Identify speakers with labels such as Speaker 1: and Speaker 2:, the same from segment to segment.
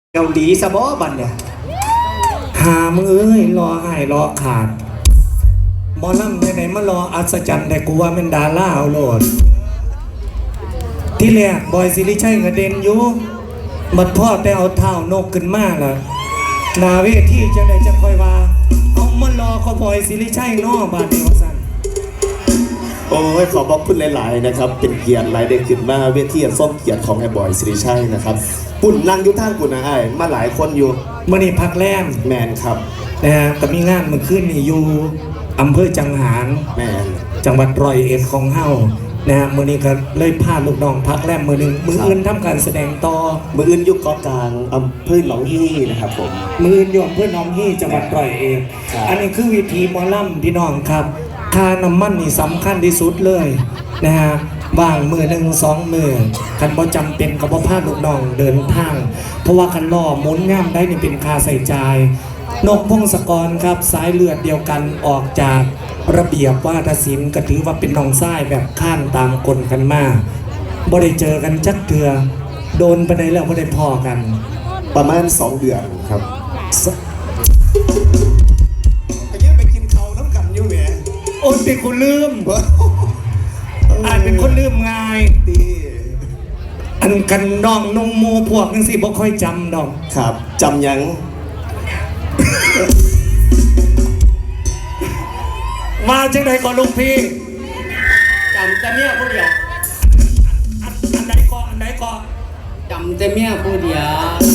Speaker 1: เกาหลีสะบอบันเนี่ย
Speaker 2: หามึงเอ้ยรออ้ายรอขาดบอลล่ำไหนๆมารออัศจรรย์แต่กูว่าเป็นดาราเอาโหลดที่แรกบอยสิริชัยกระเด็นอยู่บัดพ่อแต่เอาเท้านกขึ้นมาล่ะนาเวทีจังไดจังค่อยว่าเอามารอเขาบอยสิริชัยนอบาดเดียวสั่น
Speaker 3: โอ้ยขอบอกคุณหลายๆนะครับเป็นเกียรติหลายเด็กขึ้นมาเวทีอันส้มเกียรติของไอ้บอยสิริชัยนะครับปุ่นนั่งอยู่ทางปุ่นนะไอ้มาหลายคนอยู่
Speaker 2: มื่อนี้พักแรม
Speaker 3: แมนครับ
Speaker 2: นะฮะก็มีงานเมื่อคืนนี่อยู่อำเภอจังหาร
Speaker 3: แมน
Speaker 2: จังหวัดร้อยเอ็ดของเฮานะฮะมื่อนี้ก็เลยพาลูกน้องพักแรมมือหนึ่งมืออื่นทำการแสดงต่อ
Speaker 3: มืออื่นยุคเกาะกลางอำเภอหนองฮี่นะครับผม
Speaker 2: มืออื่นอยู่อำเภอหนองฮี่จังหวัดร้อยเอ็ดอันนี้คือวิธีหมอลำพี่น้องครับค่าน้ำมันนี่สำคัญที่สุดเลยนะฮะบางมือหนึ่งสองมือคันบ่จำเป็นกับบ่พาลูกน้องเดินทางเพราะว่าคันล่อหมุนง่ามได้นี่เป็นค่าใส่ใจนกพงศกรครับสายเลือดเดียวกันออกจากระเบียบวาทศิลป์ก็ถือว่าเป็นน้องซ้ายแบบข้านตามกลกันมาบ่ได้เจอกันจักเถื่อโดนไปไหนแล้วบ่ได้พอกัน
Speaker 3: ประมาณ2 เดือนครับไปยังไปกินเขาน้ำกันอยู่แหม
Speaker 2: โอ้เป็นคนลืมอาจเป็นคนลืมง่าย
Speaker 3: ดี
Speaker 2: อันกันน้องนงโมพวกนั่นสิบ่ค่อยจำดอก
Speaker 3: ครับจำยัง
Speaker 2: มาจังใดก่อนลุงพี่
Speaker 1: จำแต่เมียผู้เดียว
Speaker 2: อันใดก็
Speaker 1: จำแต่เมียผู้เดียว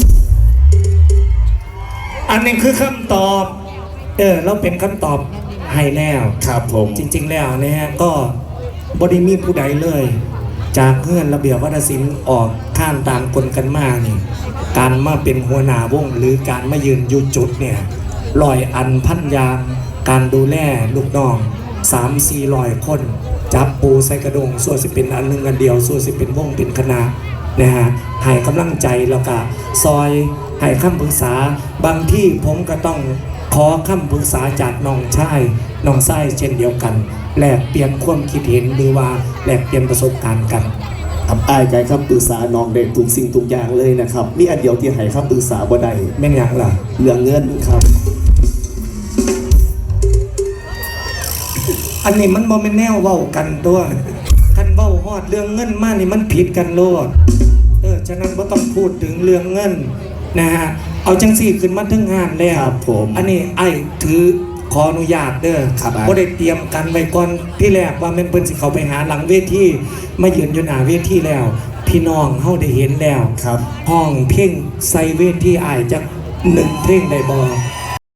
Speaker 2: อันนี้คือคำตอบเราเป็นคำตอบให้แล้ว
Speaker 3: ครับผม
Speaker 2: จริงๆแล้วเนี่ยก็บ่ได้มีผู้ใดเลยจากเงื่อนระเบียบวัฒนศิลป์ออกข้ามตามกลกันมานี่การมาเป็นหัวหน้าวงหรือการมายืนอยู่จุดเนี่ยลอยอันพันยางการดูแลลูกน้อง 3-400 คนจับปูใส่กระดงส่วนสิเป็นอันหนึ่งอันเดียวส่วนสิเป็นวงเป็นคณะนะฮะให้กำลังใจแล้วก็ซอยให้คำปรึกษาบางที่ผมก็ต้องขอคำปรึกษาจากน้องชายเช่นเดียวกันแลกเปลี่ยนความคิดเห็นหรือว่าแลกเปลี่ยนประสบการณ์กัน
Speaker 3: ครับอ้ายไกครับปรึกษาน้องเด็กทุกสิ่งทุกอย่างเลยนะครับมีอันเดียวที่ให้คำปรึกษาบ่ได้
Speaker 2: แม่นอย่างล่ะ
Speaker 3: เรื่องเงินครับ
Speaker 2: อันนี้มันบ่แม่นแนวเว้ากันตัวคันเว้าฮอดเรื่องเงินมานี่มันผิดกันโลดฉะนั้นบ่ต้องพูดถึงเรื่องเงินนะฮะเอาจังซี่ขึ้นมาถึงงานแล้ว
Speaker 3: ผม
Speaker 2: อันนี้ไอ้ถือขออนุญาตเด้อบ่ได้เตรียมกันไว้ก่อนที่แรกว่าแม่นเพิ่นสิเข้าไปหาหลังเวทีมายืนอยู่หน้าเวทีแล้วพี่น้องเฮาได้เห็นแล้ว
Speaker 3: ครับ
Speaker 2: ห้องเพลงใส่เวทีอ้ายจัก1เพลงได้บ่